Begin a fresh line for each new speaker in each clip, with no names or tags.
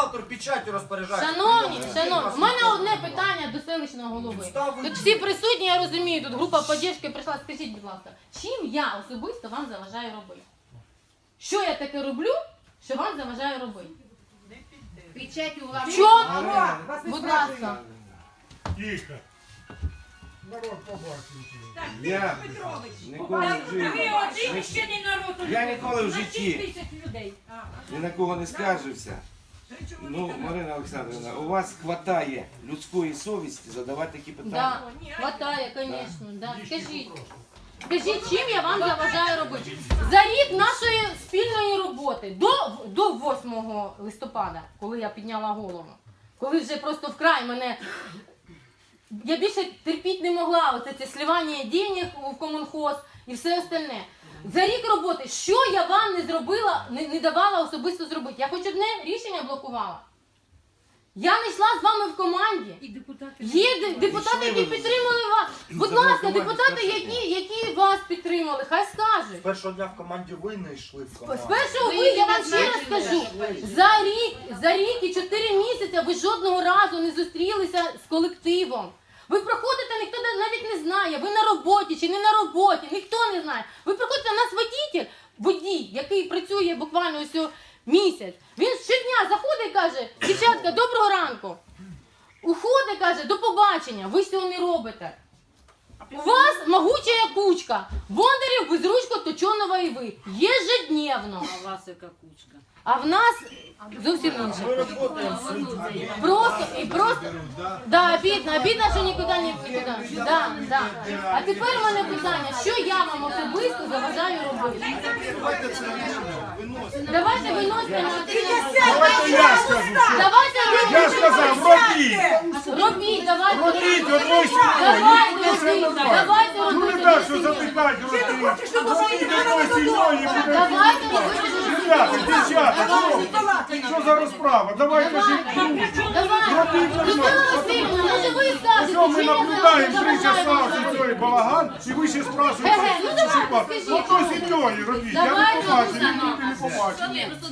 бухгалтер печаттю розпоряджається.
Шановні, в мене одне питання до селищного голови. Тут всі присутні, я розумію, тут група підтримки прийшла. Скажіть, будь ласка, чим я особисто вам заважаю робити? Що я таке роблю, що вам заважаю робити?
Печатю власне.
В чому? Будь ласка.
Тихо. Народ побачив.
Я ніколи в житті, я ніколи в житті ні на кого не скаржився. Ну, Марина Олександрівна, у вас хватає людської совісті задавати такі питання?
Да, хватає, звісно. Да. Скажіть, чим я вам заважаю робити? За рік нашої спільної роботи, до 8 листопада, коли я підняла голову, коли вже просто вкрай мене, я більше терпіти не могла, оце це сливання денег в комунхоз і все остальне. За рік роботи, що я вам не зробила, не давала особисто зробити? Я хоч одне рішення блокувала. Я не йшла з вами в команді. Є депутати, які підтримали вас. Будь ласка, депутати, які вас підтримали, хай скажуть.
З першого дня в команді ви не йшли в команду.
З першого я вам ще раз скажу, за рік і 4 місяці ви жодного разу не зустрілися з колективом. Ви проходите, ніхто навіть не знає, ви на роботі чи не на роботі, ніхто не знає. Ви проходите, у нас водій, який працює буквально ось місяць. Він щодня заходить і каже: дівчатка, доброго ранку. Уходить, каже: до побачення, ви цього не робите. У вас могучая кучка. Бондарів, Безручко, Точонова і ви. Єжедневно.
А у вас яка кучка?
А в нас зовсім інше.
Ми працюємо з людьми.
Просто, да, обідно, що нікуди не піде. Да. А тепер у мене питання, що я вам особисто заважаю робити?
Давайте це рішення виносимо.
Давайте виносите на
Давайте я скажу.
Давайте
Я сказав, робіть.
робіть, давайте
Робіть
робіть.
одною сім'єю.
Давайте
Ну не
робіть.
так, що затикати робіть. Робіть одною сім'єю і буде.
Давайте робіть.
Ребята, дівчата, що за розправа? Давайте ж.
Давайте. Людмила Васильівна, може ви скажете,
Що ми
чим я
наблюдаємо 3
заважаю
часа
робити?
цей балаган, і ви ще спрашуєте,
Ге-ге, ну давайте,
що
скажіть.
ото сім'єю робіть. Я не
Давайте,
побачив,
Оксана.
ніхто не побачив.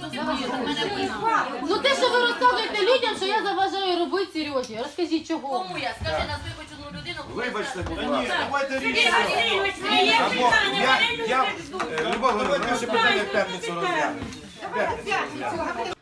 Ну те, що ви розказуєте людям, що я заважаю робити Сережі. Розкажіть, чого?
Кому я? Скажи, назви хоч одну людину.
Вибачте, будь ласка, давайте рішення.
Васильович,
Або Любов Григорівна, ще питання в п'ятницю розглянемо. В п'ятницю розглянемо.